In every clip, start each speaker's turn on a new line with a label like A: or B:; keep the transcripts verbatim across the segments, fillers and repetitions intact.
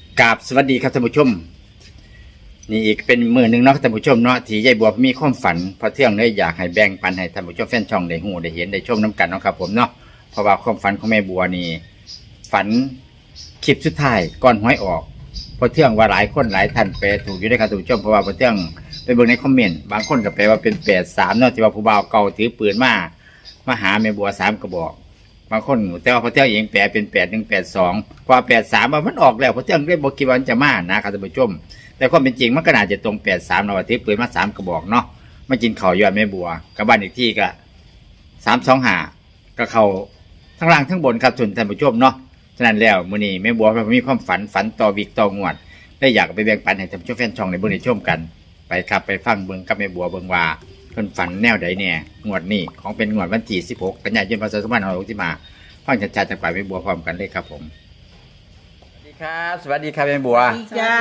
A: กราบสวัสดีครับท่านผู้ชมนี่อีกเป็นมือหนึ่งเนาะท่านผู้ชมเนาะที่ยายบัวมีความฝันพอเที่ยงเลยอยากให้แบ่งปันให้ท่านผู้ชมแฟนช่องได้หูได้เห็นได้ชมน้ำกันเนาะครับผมเนาะเพราะว่าความฝันของแม่บัวนี่ฝันคลิปสุดท้ายก่อนหวยออกพอเที่ยงว่าหลายคนหลายท่านแปลถูกอยู่ด้วยครับท่านผู้ชมเพราะว่าพอเที่ยงไปเบิ่งในคอมเมนต์บางคนก็แปลว่าเป็นแปดสามเนาะที่ว่าผู้บ่าวเก่าถือปืนมามาหาแม่บัวสามกระบอกบางคนแต่ว่าพอเที่ยงเองแปลเป็นแปดหนึ่งแปดสองเพราะแปดสามมันออกแล้วพอเที่ยงได้บอกกี่วันจะมานะครับท่านผู้ชมแต่ความเป็นจริงมันก็น่าจะตรงแปดสามเราถือปืนมาสามกระบอกเนาะมากินข้าวยอดแม่บัวกับบ้านอีกที่ก็สามสองหาก็เขาทั้งล่างทั้งบนครับทุนท่านผู้ชมเนาะฉะนั้นแล้วมื้อนี้แม่บัวมีความฝันฝันต่อวิกต่องวดได้อยากไปแบ่งปันให้ท่านผู้ชมแฟนช่องในเบิ่งในชมกันไปครับไปฟังเบิ่งกับแม่บัวเบิ่งว่าเพิ่นฝันแนวใดแน่งวดนี้ของเป็นงวดวันที่สิบหกกันยายนพศสองพันห้าร้อยหกสิบห้าฟังชัดๆจากปากแม่บัวพร้อมกันเลยครับผมสวัสดีครับสวัสดีครับแม่บัว
B: ดีจ้า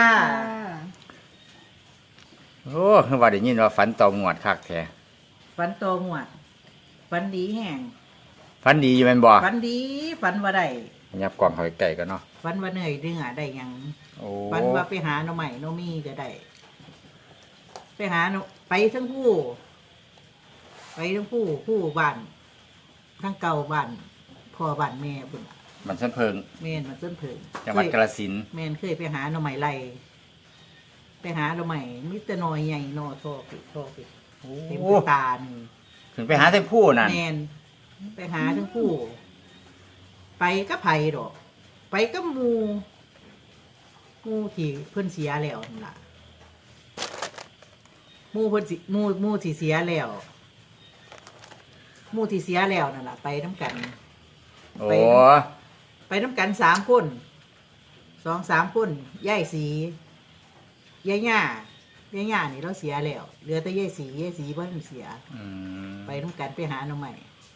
A: โอ้คือว่าได้ยินว่าฝันต่องวดคักแท้
B: ฝันโตหัวดฝันดีแห้ง
A: ฝันดีอยู่แม่นบ่
B: ฝันดีฝันว่าได้
A: ยับกล่องเข้าใกล้ๆกันเนาะ
B: ฝันว่าเหนื่อยเดือได้หยัง
A: โอ้
B: ฝันว่าไปหาหน่อใหม่หน่อมีก็ได้ไปหาหน่อไปทั้งผู้ ไปทั้งผู้ผู้บ้านทั้งเก่าบ้านพ่อบ้านแม่พุ่นน่ะ
A: มันสันเพิง
B: แม่นมันต้นเพิง
A: จังหวัด
B: เคย
A: กาฬสินธุ์
B: แม่นเคยไปหาหน่อใหม่ไล่ไปหาหน่อใหม่มิตรน้อยใหญ่นอทอปิทอปิเต็มตาหนึ่ง
A: ถึงไปหาทั้งผู้นั่น
B: แมนไปหาทั้งคู่ ไปก็ไผ่ดอก ไปก็มูมูที่เพิ่นเสียแล้วนั่นล่ะมูเพิ่นสิมูมูที่เสียแล้วมูที่เสียแล้วนั่นล่ะไปน้ำกัน
A: โอ้
B: ไป ไปน้ำกันสามคนสองสามคนย่ายสีย่ายหญ้าย่ายหญ้านี่เราเสียแล้วเหลือแต่ย่ายสีย่ายสีเพิ่นเสีย
A: อืม
B: ไปน้ำกันไปหาหน่อใหม่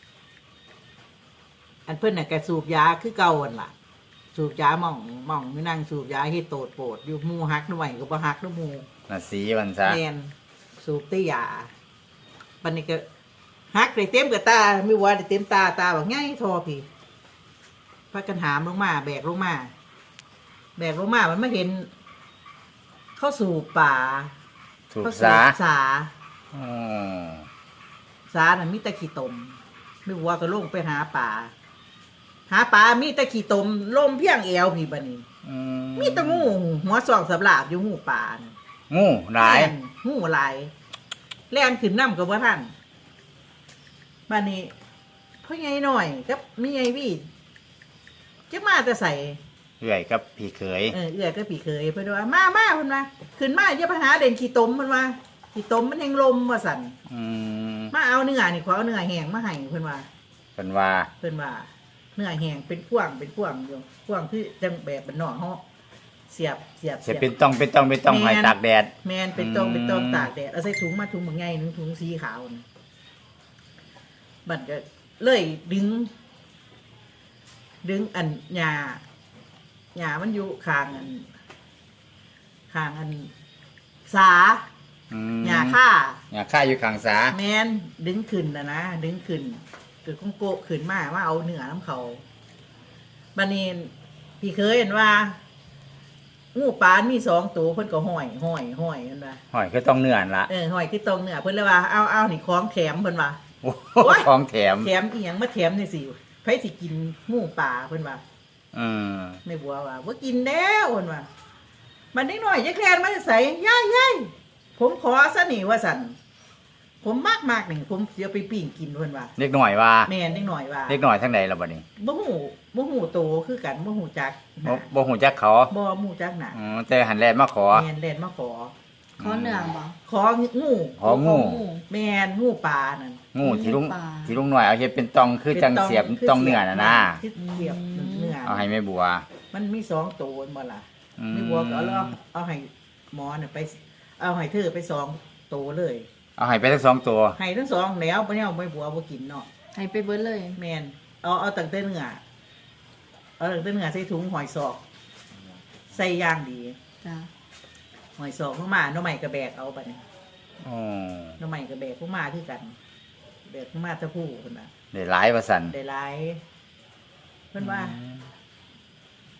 B: อันเพิ่นน่ะแกสูบยาคือเก่าอันล่ะ สูบยาหม่องหม่องนี่นั่งสูบยาให้โตดโปดอยู่หมูฮักหน่อใหม่ก็บ่ฮักหน่อหมู
A: น่ะสีมันซะ
B: แมนสูบแต้ยาบัดนี้ก็ฮักได้เต็มกับตาไม่ว่าได้เต็มตาตาบอกง่ายทอพี่พากันหามลงมา แบกลงมา แบกลงมามันไม่เห็น เข้าสู่ป่า
A: ถูก
B: เข้า
A: ซะ
B: สู่สา
A: อืม
B: สาน่ะมีแตะขี้ตมไม่ว่าก็ลงไปหาป่า หาปลามีแตะขี้ตมลมเพียงเอวพี่บัดนี้
A: อืม
B: มีแตะงูหัวสองสับหลาบอยู่งูป่าน่ะ
A: งูหลาย
B: แล่นงูหลายแล่นขึ้นน้ำกับว่าท่านบัดนี้พ่อใหญ่หน่อยกับมีไงพี่จะมาจะใส่
A: เอื่อยกับพี่เขย
B: เออเอื้อก็ปีเคยเพิ่นว่ามามาเพิ่นว่าขึ้นมาอย่าไปหาเด่นขี้ตมเพิ่นว่าขี้ตมมันแห่งลมว่าสั่น
A: อืม
B: มาเอาเนื้อนี่ขอเอาเนื้อแห้งมาให้เพิ่นว่า
A: เป็นว่า
B: เพิ่นว่าเนื้อแห้งเป็นพ่วงเป็นพ่วงอยู่พ่วงคือจังแบบบ้านนอกเฮาเสียบเสียบ
A: จะเป็นต้องเป็นต้องเป็นต้องหอยตากแดด
B: แม่นเป็นตอง
A: อืม
B: เป็นตองตากแดดเอาใส่ถุงมาถุงบางไงนึงถุงสีขาวน่ะบัดก็เลยดึง ดึงอันหญ้าหญ้ามันอยู่ข้างอันข้างอันสา
A: อืม
B: หญ้าค่า
A: หญ้าค่าอยู่ข้างสา
B: แมนดึงขึ้นนะนะดึงขึ้นเกิดคงโกะขึ้นมาว่าเอาเนื้อน้ำเขาบันนี้พี่เคยเห็นว่างูปลามีสองตัวเพิ่นก็ห้อยห้อยห้อยกันว่า
A: หอยคือต้องเนื้อนั่นละ
B: เออห้อยคือตรงเนื้อเพิ่นเลยว่าเอาเอานี่ของแถมเพิ่นว่า
A: โอ้โห
B: โอ๊ย
A: ของแถม
B: แถมอีหยังมาแถมนี่สิไผสิกินงูปลาเพิ่นว่า
A: อืม
B: ไม่บัวว่าว่ากินแล้วเพิ่นว่ามันนิดหน่อยจะแคลนมาใส่ย่ายย่ายผมขอซะนี่ว่าสั่นผมมากมากๆนี่ผมเดี๋ยวไปปิ้งกินเพิ่นว่า
A: เล็กหน่อยว่า
B: แม่นนิดหน่อยว่า
A: เล็กหน่อยทั้งใดล่ะบัดนี้
B: บ่หูบ่หูโตคือกันบ่หูจักห
A: บ่
B: น้า
A: บ่ฮู้จักเขา
B: บ่หูจักหน้า
A: อืมแต่หันแลนมาขอ
B: แม่นเล่นมาขอ
C: ขอเหนืองบ่
B: ของู
A: ของู
B: แม่นงูปลานั่น
A: งูที่ลุง
C: ปลา
A: ที่ลุงหน่อยเอาเฮ็ดเป็นตองคือจังเสียบ
B: คือ
A: ต้องเนื้อน่ะนะ
B: คือเสียบเนื้อ
A: เอาให้แม่บัว
B: มันมีสองโตนบ่ล่ะ
A: อืม
B: ไม่บัวก็เอาแล้วเอาให้หมอน่ะไป เอาให้เธอไปสองโตเลย
A: เอาให้ไปทั้งสองตัว
B: ให้ทั้งสองแล้วบ่เนี่ยไม่บัวบ่กินเนาะ
C: ให้ไปเบิดเลย
B: แม่นเอาเอาตั้งแต่เนื้อเอาตั้งแต่เนื้อใส่ถุงหอยซอกใส่ย่างดี
C: จ้ะ
B: หอยซอกเข้ามาหน้องใหม่กระแบกเอาไปนี่
A: อ๋อ
B: หน้องใหม่กระแบกเข้ามาคือกันแบกเข้ามาตะผู้คนน่ะ
A: ได้หลายว่าซั่น
B: ได้หลายเพิ่นว่า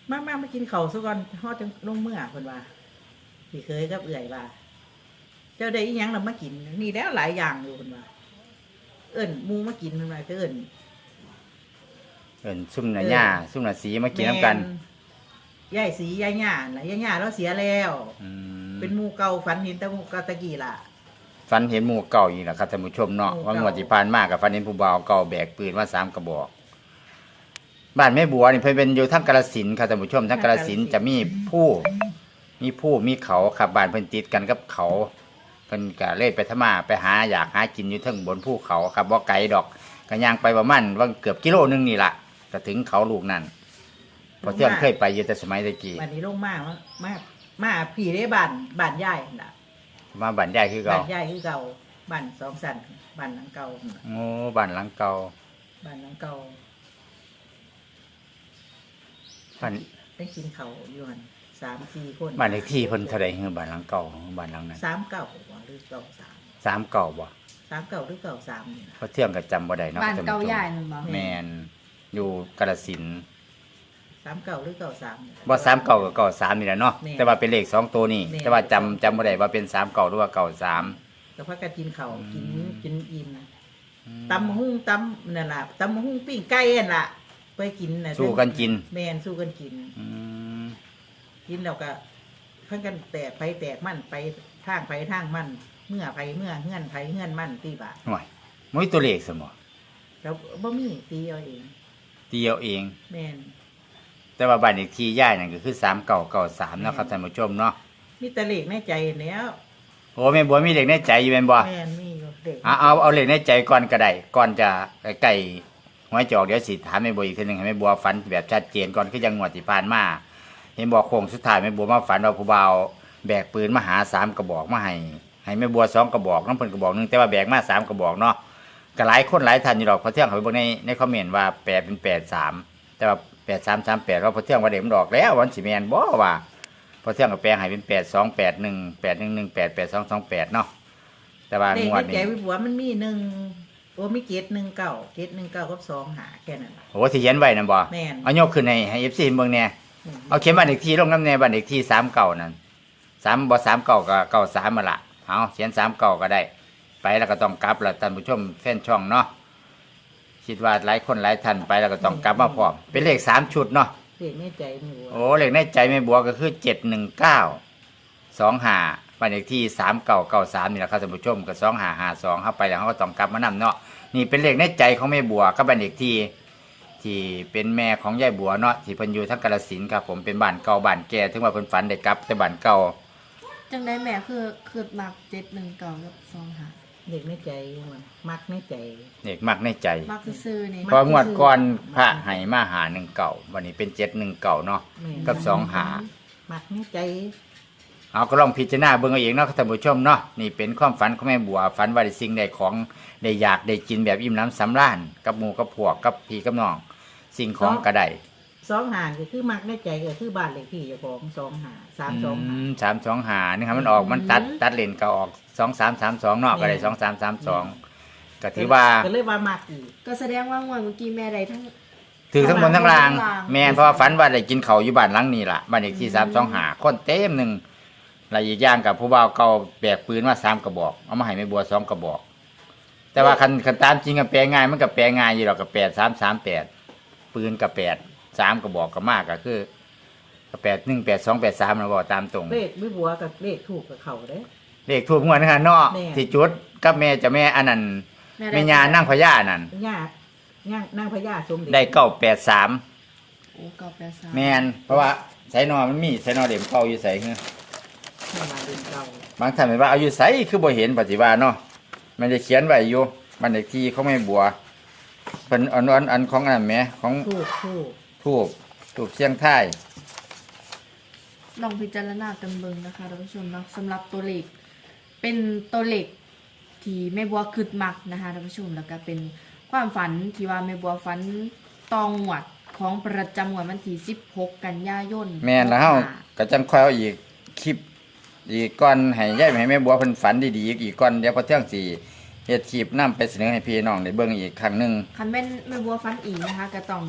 B: มามามากินข้าวซะก่อนฮอดจังลงเมื่อเพิ่นว่าพี่เคยกับเอื่อยว่าเจ้าได้อีหยังนำมากินนี่แล้วหลายอย่างอยู่เพิ่นว่าเอิ้นหมู่มากินเพิ่นว่าก็เอิ้น
A: เอิ้นซุ่มหน้าหญ้าซุ่มหน้าสีมากินน้ำกัน
B: ยายสียายหญ้าน่ะยายหญ้าเราเสียแล้ว
A: อืม
B: เป็นหมู่เก่าฝันเห็นแต่หมู่เก่าตะกี้ล่ะ
A: ฝันเห็นหมู่เก่าอีกแล้วครับท่านผู้ชมเนาะ
B: หมู่
A: ว่า
B: เก่า
A: งวดที่ผ่านมากับฝันเห็นผู้บ่าวเก่าแบกปืนมาสามกระบอก บ้านแม่บัวนี่เพิ่นเป็นอยู่ทั้งกาฬสินธุ์ครับท่านผู้ชมทั้งกาฬสินธุ์จะมีผู้มีผู้มีเขาครับบ้านเพิ่นติดกันกับเขาเพิ่นก็เลยไปทำมาไปหาอยากหากินอยู่เทั้งบนภูเขาครับบ่ไกลดอกก็ย่างไปประมาณว่าเกือบกิโลนึงนี่ล่ะก็ถึงเขาลูกนั่นเพอเที่ยงเคยไปอยู่แต่สมัยตะกี้
B: บัดนี้ลงมามามามาพี่ได้บ้านบ้านยายน่ะ
A: มาบ้านยายคือเก่า
B: บ้านยายคือเก่าบ้านสองสันบ้านหลังเก่าน่ะ
A: โอ้บ้านหลังเก่า
B: บ้านหลังเก่า
A: บ้าน
B: ได้กินเขาวอยู่หันสามสี่คน
A: บ้านเลขที่เพิ่นเท่าใดคือบ้านหลังเก่าบ้านหลังนั้น
B: สามเก่าบ่หรือเก่าสาม
A: สามเก่าบ่
B: สามเก่าหรือเก่าสามนี่นะ
A: เพราะเที่ยงก็จำบ่ได้เนาะ
C: บ้าน
A: ท่ผู้ชม
C: เก่าใหญ่นั่นบ่
A: แม่นอยู่กาฬสินธุ์
B: สามเก่าหรือเก่าสามนี่
A: บ่สามเก่ากับเก่าสามนี่แหละเนาะ
B: แม่น
A: แต่ว่าเป็นเลขสองตัวนี่
B: แม่น
A: แต่ว่าจำจำบ่ได้ว่าเป็นสามเก่าหรือว่าเก่าสาม
B: แต่พักกันกินเขาวกิน
A: อืม
B: กินอิ่มตำมะฮุ่งตำนั่นล่ะตำมะฮุ่งปิ้งไก่นั่นล่ะไปกินน่ะ
A: สู้กันกิน
B: แม่นสู้กันกิน
A: อืม
B: กินแล้วก็เพิ่นกันแตกไปแตกมันไปทางไปทางมันเมื่อไปเมื่อเฮือนไปเฮือนมันตีบาท
A: ห่วยมุ้ยตัวเลขสมอ
B: แล้วบ่มีตีเอาเอง
A: ตีเอาเอง
B: แม่น
A: แต่ว่าบ้านเลขที่ย่ายนั่นก็คือสามเก่าเก่าสามเนาะครับท่านผู้ชมเนาะ
B: มีแต่เลขในใจแล้ว
A: โอ้แม่บัวมีเลขในใจอยู่แม่นบ่
B: แม่นมีอยู่เด็ก
A: เอาเอาเอาเลขในใจก่อนก็ได้ก่อนจะใกล้หวยจะออกเดี๋ยวสิถามแม่บัวอีกทีหนึงให้แม่บัวฝันแบบชัดเจนก่อนคือยังงวดที่ผ่านมาเห็นบอกโค้งสุดท้ายแม่บัวมาฝันว่าผู้บ่าวแบกปืนมาหาสามกระบอกมาให้ให้แม่บัวสองกระบอกน้องเพิ่นกระบอกหนึงแต่ว่าแบกมาสามกระบอกเนาะก็หลายคนหลายท่านอยู่ดอกพอเที่ยงเขาไปเบิ่งในในคอมเมนต์ว่าแปดเป็นแปดสามแต่ว่าแปดสามสามแปดว่าพอเที่ยงว่าเด็กมันดอกแล้ววันสิแมนบ่ว่าพอเที่ยงก็แปลงให้เป็นแปดสองแปดหนึ่งแปดหนึ่งหนึ่งแปดแปดสองสองแปดเนาะแต่ว่า
B: เลข
A: งวด
B: ใน
A: นี้
B: ใจวิบัวมันมีหนึ่งโอ้มีเกตหนึ่งเก้าเกตหนึ่งเก้ากับสองหาแค่นั้นล่ะ
A: โอ้ที่เขียนไว้นั่นบ่
B: แม่น
A: เอายกขึ้นให้ให้ เอฟ ซี เบิ่งแหน่เอาเขียนบ้านเลขที่ลงน้ำแน่บ้านเลขที่สามเก่านั่นสามบ่สามเก่าก็เก่าสามมาละเอาเขียนสามเก่าก็ได้ ไปแล้วก็ต้องกลับละท่านผู้ชมแฟนช่องเนาะคิดว่าหลายคนหลายท่านไปแล้วก็ต้องกลับมาพร้อมเป็นเลขสามชุดเนาะ
B: เลขในใจวิบัว
A: โอ้เลขในใจแม่บัวก็คือเจ็ดหนึ่งเก้าสองห้าบ้านเลขที่สามเก่าเก่าสามนี่แหละครับท่านผู้ชมกับสองห้าห้าสองเข้าไปแล้วเขาก็ต้องกลับมานำเนาะนี่เป็นเลขในใจของแม่บัวกับบ้านเลขที่ที่เป็นแม่ของยายบัวเนาะที่เพิ่นอยู่ทั้งกาฬสินธุ์ครับผมเป็นบ้านเก่าบ้านแก่ถึงว่าเพิ่นฝันได้กลับแต่บ้านเก่า
C: จังได้แม่คือคือมักเจ็ดหนึ่งเก่ากับสองหา
B: เลขในใจมันมักในใจ
A: เด็กมักในใจ
C: มักซื่อๆนี่
A: เพองวดก่อนพระให้มาหาหนึ่งเก่าวันนี้เป็นเจ็ดหนึ่งเก่าเนาะ
B: แม่น
A: กับสองหา
B: มักในใจ
A: เอาก็ลองพิจารณาเบิ่งเอาเองเนาะท่านผู้ชมเนาะนี่เป็นความฝันของแม่บัวฝันว่าได้สิ่งใดของได้อยากได้กินแบบอิ่มน้ำสำราญกับหมู่กับพวกกับพี่กับน้องสิ่งของก็ได้
B: สองหาก็คือมักในใจก็คือบ้านเลขที่เจ้าของสองหาสามสองหา
A: มสามสองหานี่ครับมันออกมันตัดตัดเลนก็ออกสองสามสามสองเนาะก็ได้สองสามสามสองก็ถือว่า
B: ก็เลยว่ามักอีก
C: ก็แสดงว่างวดเมื่อกี้แม่ได้ทั้ง
A: ถือทั้งบนทั้งล่าง
C: ทั้งล่าง
A: แม่นเพราะว่าฝันว่าได้กินเขาวอยู่บ้านหลังนี้ล่ะบ้านเลขที่สามสองหาคนเต็มหนึ่งและอีกอย่างกับผู้บ่าวเก่าแบกปืนมาสามกระบอกเอามาให้แม่บัวสองกระบอก แต่ว่าคันคันตามจริงกับแปลง่ายมันกับแปลง่ายอยู่หรอกกับแปดสามสามแปดปืนกับแปดสามกระบอกกับมากก็คือกับแปดหนึ่งแปดสองแปดสามเราบอกตามตรง
B: เลขวิบัวกับเลขถูกกับเขาเด้
A: เลขถูกงวดนะครับเนาะ
B: แม่
A: ที่จุดกับแม่เจะแม่อันนั้น
C: ได้
A: แม่ยานั่งพญานั่น
B: ย่าย่างนั่งพญาสมเด็จ
A: ได้เก้าแปดสาม
C: โอ้เก่าแปดสาม
A: แม่นเพราะว่าไสนอมันมีไสนอเด็มเข้าอยู่ใส่คือ
B: ให้มาเดินเก่า
A: บางท่านเห็นว่าเอาอยู่ใส่คือบ่เห็นปฏิบัติเนาะมันจะเขียนไว้อยู่บันเลขที่เขาไม่บัวเป็นอันอันอันของอันนั้นแหมของ
B: ถูกถูก
A: ทูบทูบเชียงท้าย
C: ลองพิจารณากันเบิ่งนะคะท่านผู้ชมเนาะสำหรับตัวเลขเป็นตัวเลขที่แม่บัวคืดมักนะคะท่านผู้ชมแล้วก็เป็นความฝันที่ว่าแม่บัวฝันตองหวดของประจำงวดวันที่สิบหกกันยายน
A: แม่นแล้วเฮา
C: หกห้
A: ก็จังค่อยเอาอีกคลิปอีกก่อนให้ยายให้แม่บัวเพิ่นฝันดีๆอีกอีกก่อนเดี๋ยวพอเที่ยงสิเฮ็ดคลิปนํไปเสนอให้พี่น้องได้เบิ่งอีกครั้งหนึง
C: คันแม่นแม่บัวฟันอีกนะคะก็ต้อง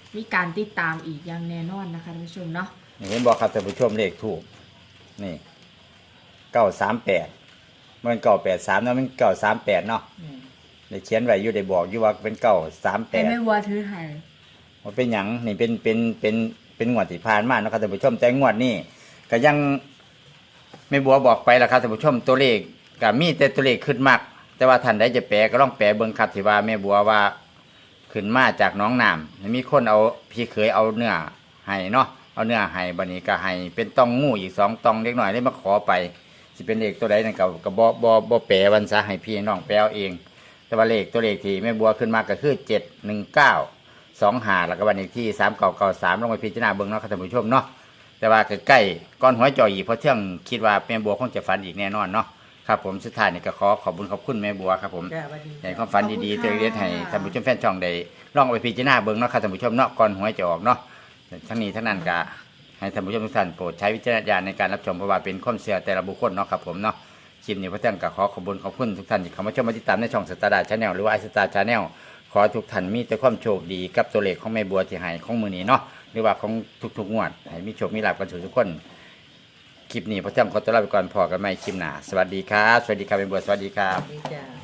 C: มีการติดตามอีกอย่างแน่นอนนะคะท่านผู้ชมเนาะ
A: เห็นบอกครับท่านผู้ชมเลขถูกนี่เก้าสามแปดมันเก้าแปดสามเนาะมันเก้าสามแปดเนาะ
B: อืม
A: ได้เขียนไว้อยู่ได้บอกอยู่ว่าเป็นเก้าสามแป
C: แต่
A: ด
C: แม่บัวถือให้
A: ว่าเป็นหยังนี่เป็นเป็นเป็นเป็นงวดที่ผ่านมาเนาะครับท่านผู้ชมแต่งวดนี้ก็ยังแม่บัวบอกไปแล้วครับท่านผู้ชมตัวเลขก็มีแต่ตัวเลขขึ้นมากแต่ว่าท่านใดจะแปลก็ต้องแปลเบิ่งครับที่ว่าแม่บัวว่าขึ้นมาจากหน้องน้ำมีคนเอาพี่เคยเอาเนื้อให้เนาะเอาเนื้อให้บัดนี้ก็ให้เป็นต้องงูอีกสองตองเล็กน้อยได้มาขอไปสิเป็นเลขตัวใดนั่นก็ก็บ่บ่บ่แปลวันซะให้พี่น้องแปลเอาเอง แต่ว่าเลขตัวเลขที่แม่บัวขึ้นมาก็คือเจ็ดหนึ่งเก้าสองหาแล้วก็วันอีกที่สามเก่าเก่าสามลงไปพิจารณาเบิ่งเนาะครับท่านผู้ชมเนาะแต่ว่าใกล้ๆก้อนหัวจ่อยอีกเพราะเที่ยงคิดว่าแม่บัวคงจะฝันอีกแน่นอนเนาะครับผมสุดท้ายนี่ก็ขอขอบคุณขอบคุณแม่บัวครับผม
B: จ้าสวัสดี
A: ให้ความฝันดีๆตัวเล็กๆให้ท่านผู้ชมแฟนช่องได้ลองเอาไปพิจารณาเบิ่งเนาะครับท่านผู้ชมเนาะก่อนหัวจะออกเนาะทั้งนี้ทั้งนั้นก็ให้ท่านผู้ชมทุกท่านโปรดใช้วิจารณญาณในการรับชมเพราะว่าเป็นความเชื่อแต่ละบุคคลเนาะครับผมเนาะคลิปนี้พระเจ้าก็ขอขอบคุณขอบคุณทุกท่านที่เข้ามาชมมาติดตามในช่องสตาร์ดาชาแนลหรือว่าไอสตาร์ชาแนลขอทุกท่านมีแต่ความโชคดีกับตัวเลขของแม่บัวที่ให้ของมือนี้เนาะหรือว่าของทุกๆงวดให้มีโชคมีลาภกันทุกคนคลิปนี้พระเจ้าขอตัวลาไปก่อนพอกันใหม่คลิปหน้าสวัสดีครับสวัสดีครับแม่บัวสวัสดีครั
B: ส
A: บ
B: วัสดีจ้า